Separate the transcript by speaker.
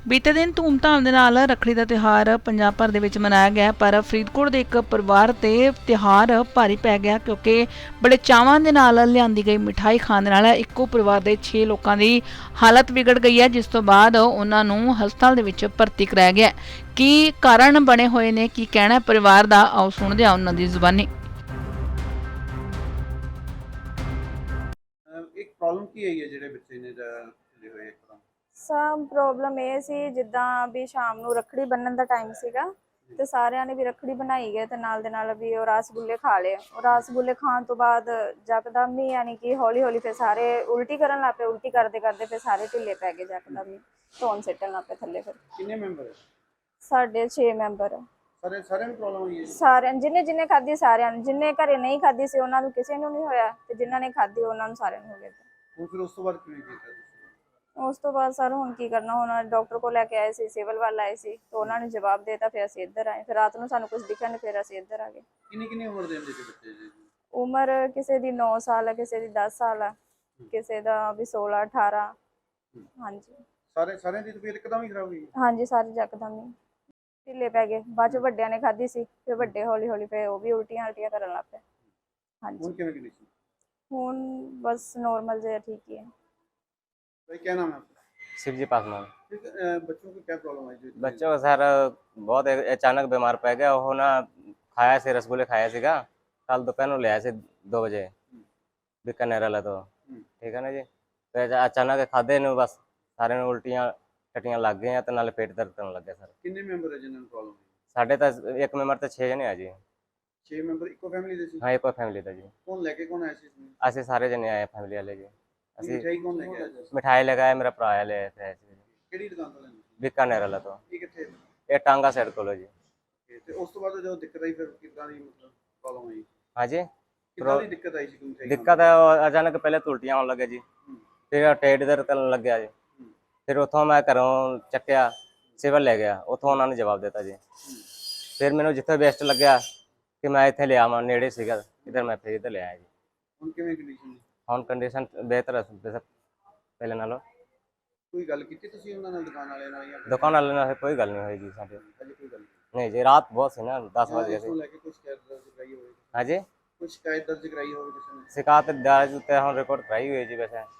Speaker 1: ਬੀਤੇ ਦਿਨ ਧੂਮਧਾਮ ਦੇ ਨਾਲ ਰੱਖੜੀ ਦਾ ਤਿਉਹਾਰ ਪੰਜਾਬ ਭਰ ਦੇ ਵਿੱਚ ਮਨਾਇਆ ਗਿਆ, ਪਰ ਫਰੀਦਕੋਟ ਦੇ ਇੱਕ ਪਰਿਵਾਰ ਤੇ ਤਿਉਹਾਰ ਭਾਰੀ ਪੈ ਗਿਆ ਕਿਉਂਕਿ ਬੜੇ ਚਾਵਾਂ ਦੇ ਨਾਲ ਲਿਆਂਦੀ ਗਈ ਮਿਠਾਈ ਖਾਣ ਦੇ ਨਾਲ ਇੱਕੋ ਪਰਿਵਾਰ ਦੇ 6 ਲੋਕਾਂ ਦੀ ਹਾਲਤ ਵਿਗੜ ਗਈ ਹੈ, ਜਿਸ ਤੋਂ ਬਾਅਦ ਉਹਨਾਂ ਨੂੰ ਹਸਪਤਾਲ ਦੇ ਵਿੱਚ ਭਰਤੀ ਕਰਾਇਆ ਗਿਆ। ਕੀ ਕਾਰਨ ਬਣੇ ਹੋਏ ਨੇ, ਕੀ ਕਹਿਣਾ ਪਰਿਵਾਰ ਦਾ, ਆਓ ਸੁਣਦੇ ਹਾਂ ਉਹਨਾਂ ਦੀ ਜ਼ੁਬਾਨੀ।
Speaker 2: ਇੱਕ ਪ੍ਰੋਬਲਮ ਕੀ ਆਈ ਹੈ ਜਿਹੜੇ ਬੱਚੇ ਨੇ ਜਿਹੜੇ ਹੋਏ ਇੱਕਦਮ?
Speaker 3: ਸਭ ਪ੍ਰੋਬਲਮ ਇਹ ਸੀ ਜਿੱਦਾਂ ਵੀ ਸ਼ਾਮ ਨੂੰ ਰੱਖੜੀ ਬੰਨਣ ਦਾ ਟਾਈਮ ਸੀਗਾ ਤੇ ਸਾਰਿਆਂ ਨੇ ਵੀ ਰੱਖੜੀ ਬਣਾਈ ਗਏ ਤੇ ਨਾਲ ਦੇ ਨਾਲ ਵੀ ਉਹ ਰਸਗੁੱਲੇ ਖਾ ਲਏ। ਉਹ ਰਸਗੁੱਲੇ ਖਾਣ ਤੋਂ ਬਾਅਦ ਜਕਦਮ ਹੀ ਯਾਨੀ ਕਿ ਹੌਲੀ ਹੌਲੀ ਫਿਰ ਸਾਰੇ ਉਲਟੀ ਕਰਨ ਲੱਗ ਪਏ। ਉਲਟੀ ਕਰਦੇ ਕਰਦੇ ਫਿਰ ਸਾਰੇ ਢਿੱਲੇ ਪੈ ਗਏ, ਜਕਦਮ ਹੀ ਧੌਣ ਸਿੱਟਣ ਲੱਗ ਪਏ ਥੱਲੇ। ਫਿਰ
Speaker 2: ਕਿੰਨੇ ਮੈਂਬਰ ਹੈ?
Speaker 3: ਸਾਡੇ 6 ਮੈਂਬਰ ਆ।
Speaker 2: ਸਾਰਿਆਂ ਨੂੰ ਪ੍ਰੋਬਲਮ ਹੋਈ ਹੈ?
Speaker 3: ਸਾਰਿਆਂ ਜਿਹਨੇ ਖਾਧੀ ਸਾਰਿਆਂ ਨੂੰ, ਜਿਹਨੇ ਘਰੇ ਨਹੀਂ ਖਾਧੀ ਸੀ ਉਹਨਾਂ ਨੂੰ ਕਿਸੇ ਨੂੰ ਨਹੀਂ ਹੋਇਆ ਤੇ ਜਿਨ੍ਹਾਂ ਨੇ ਖਾਧੀ ਉਹਨਾਂ ਨੂੰ ਸਾਰਿਆਂ ਨੂੰ ਹੋ ਗਿਆ।
Speaker 2: ਹੁਣ ਫਿਰ ਉਸ ਤੋਂ ਬਾਅਦ ਕਿਵੇਂ ਕੀਤਾ ਤੁਸੀਂ?
Speaker 3: ਉਸ ਤੋਂ ਬਾਅਦ ਸਰ ਹੁਣ ਕੀ ਕਰਨਾ, ਹੁਣ ਡਾਕਟਰ ਕੋਲ ਲੈ ਕੇ ਆਏ ਸੀ, ਸਿਵਲ ਵੱਲ ਆਏ ਸੀ ਤੇ ਉਹਨਾਂ ਨੇ ਜਵਾਬ ਦੇਤਾ। ਫਿਰ ਅਸੀਂ ਇੱਧਰ ਆਏ, ਫਿਰ ਰਾਤ ਨੂੰ ਸਾਨੂੰ ਕੁਝ ਦਿਖਿਆ ਨਹੀਂ, ਫਿਰ ਅਸੀਂ ਇੱਧਰ ਆ ਗਏ।
Speaker 2: ਕਿੰਨੀ ਉਮਰ ਦੇ ਹੁੰਦੇ ਸੀ ਬੱਚੇ ਜੀ?
Speaker 3: ਉਮਰ ਕਿਸੇ ਦੀ 9 ਸਾਲ ਹੈ, ਕਿਸੇ ਦੀ 10 ਸਾਲ ਹੈ, ਕਿਸੇ ਦਾ ਵੀ 16 18। ਹਾਂਜੀ
Speaker 2: ਸਾਰਿਆਂ ਦੀ ਤਬੀਅਤ ਇੱਕਦਮ ਹੀ ਖਰਾਬ ਹੋਈ?
Speaker 3: ਹਾਂਜੀ ਸਾਰੇ ਯਕਦਮ ਹੀ ਢਿੱਲੇ ਪੈ ਗਏ। ਬਾਅਦ ਚ ਵੱਡਿਆਂ ਨੇ ਖਾਧੀ ਸੀ, ਫਿਰ ਵੱਡੇ ਹੌਲੀ ਹੌਲੀ ਫਿਰ ਉਹ ਵੀ ਉਲਟੀਆਂ ਕਰਨ ਲੱਗ ਪਏ। ਹਾਂਜੀ
Speaker 2: ਹੁਣ ਕਿਵੇਂ ਕੰਡੀਸ਼ਨ?
Speaker 3: ਹੁਣ ਬਸ नॉर्मल ਜਿਹਾ ठीक ही है।
Speaker 2: भाई क्या नाम है आपका?
Speaker 4: शिवजी पासवान।
Speaker 2: बच्चों को क्या प्रॉब्लम है?
Speaker 4: बच्चों को सर बहुत अचानक बीमार पै गया। वो ना खाया से रसगुल्ले खाया सीगा कल दोपहर में ले आए से 2 बजे बीकानेर वाला। तो ठीक है ना जी, तो अचानक खाधे ने बस सारे ने उल्टियां टट्टियां लग गई तो नाले पेट दर्द करने लग गया। सर
Speaker 2: कितने मेंबर है जिन्होंने प्रॉब्लम?
Speaker 4: साढ़े तो एक मेंबर तो 6 जने आ जी।
Speaker 2: 6 मेंबर इको फैमिली ਦੇ ਸੀ?
Speaker 4: हाँ एक फैमिली था जी।
Speaker 2: कौन लेके कौन आए थे इसमें?
Speaker 4: असं सारे जने आए फैमिली वाले जी। असं
Speaker 2: मिठाई कौन लेके आया था?
Speaker 4: मिठाई लगाया मेरा भरा ले आए थे
Speaker 2: ਕਿਹੜੀ ਦੁਕਾਨ ਤੋਂ ਲੈਣੀ?
Speaker 4: बीकानेर वाला। तो
Speaker 2: ਇਹ ਕਿੱਥੇ?
Speaker 4: ये टांगा साइड को लो जी।
Speaker 2: ਤੇ ਉਸ ਤੋਂ ਬਾਅਦ ਜਦੋਂ ਦਿੱਕਤ ਆਈ ਫਿਰ ਕਿੱਦਾਂ ਦੀ ਮਤਲਬ ਪ੍ਰੋਬਲਮ ਆਈ?
Speaker 4: हाँ जी
Speaker 2: ਕਿੱਦਾਂ ਦੀ ਦਿੱਕਤ ਆਈ ਸੀ ਕੋਈ ਮਿਠਾਈ
Speaker 4: दिक्कत है अचानक पहले तो उल्टियां होने लगे जी, फिर ਢਿੱਡ ਦਰਦ ਕਰਨ ਲੱਗ ਗਿਆ ਜੀ। ਫਿਰ ਉੱਥੋਂ ਮੈਂ ਘਰੋਂ ਚੱਕਿਆ ਸਿਵਲ ਲੈ ਗਿਆ, ਉੱਥੋਂ ਉਹਨਾਂ ਨੇ ਜਵਾਬ ਦਿੱਤਾ ਜੀ। ਫਿਰ ਮੈਨੂੰ ਜਿੱਥੇ ਬੈਸਟ ਲੱਗਿਆ ਕਿ ਮੈਂ ਇੱਥੇ ਲਿਆ ਮੈਂ ਨੇੜੇ ਸੀਗਾ ਇਧਰ, ਮੈਂ ਫਿਰ ਇੱਧਰ ਲਿਆਇਆ ਜੀ।
Speaker 2: ਹੁਣ ਕਿਵੇਂ ਕੰਡੀਸ਼ਨ?
Speaker 4: ਹੁਣ ਕੰਡੀਸ਼ਨ ਬਿਹਤਰ ਹੈ ਪਹਿਲੇ ਨਾਲੋਂ।
Speaker 2: ਕੋਈ ਗੱਲ ਕੀਤੀ ਤੁਸੀਂ ਉਹਨਾਂ ਨਾਲ, ਦੁਕਾਨ ਵਾਲਿਆਂ ਨਾਲ? ਜਾਂ
Speaker 4: ਦੁਕਾਨ ਵਾਲੇ ਨਾਲ ਕੋਈ ਗੱਲ ਨਹੀਂ ਹੋਈ ਜੀ ਸਾਡੇ।
Speaker 2: ਅਜੇ ਕੋਈ ਗੱਲ
Speaker 4: ਨਹੀਂ ਜੀ, ਰਾਤ ਬਹੁਤ ਸੀ ਨਾ 10 ਵਜੇ
Speaker 2: ਇਸ ਨੂੰ ਲੈ ਕੇ ਕੋਈ ਸ਼ਿਕਾਇਤ ਦਰਜ ਕਰਾਈ ਹੋਵੇ?
Speaker 4: ਹਾਂਜੀ
Speaker 2: ਕੋਈ ਸ਼ਿਕਾਇਤ ਦਰਜ ਕਰਾਈ ਹੋਵੇ ਕਿਸੇ ਨੇ?
Speaker 4: शिकायत दर्ज उत्ते हम रिकॉर्ड कराई हुई है जी। वैसे